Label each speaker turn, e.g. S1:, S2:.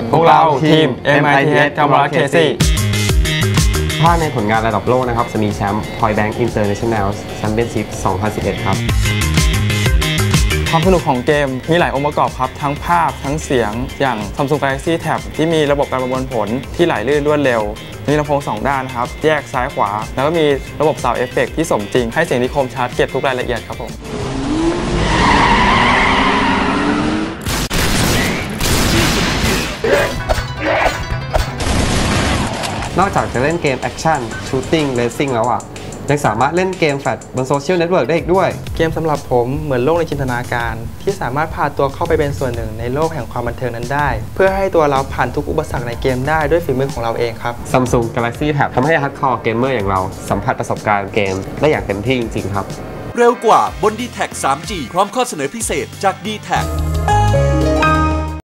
S1: พวกเราทีม MITS กับ Rock Crazy
S2: พลาดในผลงานระดับโลกนะครับจะมีแชมป์ Point Blank International Championship 2011 ครับ
S1: ความสนุกของเกมมีหลายองค์ประกอบครับทั้งภาพทั้งเสียงอย่าง Samsung Galaxy Tab ที่มีระบบการประมวลผลที่ไหลลื่นรวดเร็วมีลำโพง2ด้านครับแยกซ้ายขวาแล้วก็มีระบบ Sound Effect ที่สมจริงให้เสียงที่คมชัดเก็บทุกรายละเอียดครับผม
S2: นอกจากจะเล่นเกมแอคชั่นชูตติ้งเรซซิ่งแล้วยังสามารถเล่นเกมแฟลชบนโซเชียลเน็ตเวิร์กได้อีกด้วย
S1: เกมสำหรับผมเหมือนโลกในจินตนาการที่สามารถพาตัวเข้าไปเป็นส่วนหนึ่งในโลกแห่งความบันเทิงนั้นได้เพื่อให้ตัวเราผ่านทุกอุปสรรคในเกมได้ด้วยฝีมือของเราเองครับ
S2: Samsung Galaxy Tab ทำให้ฮาร์ดคอร์เกมเมอร์อย่างเราสัมผัสประสบการณ์เกมได้อย่างเต็มที่จริงๆครับ
S3: เร็วกว่าบน D-Tag 3G พร้อมข้อเสนอพิเศษจาก D-Tag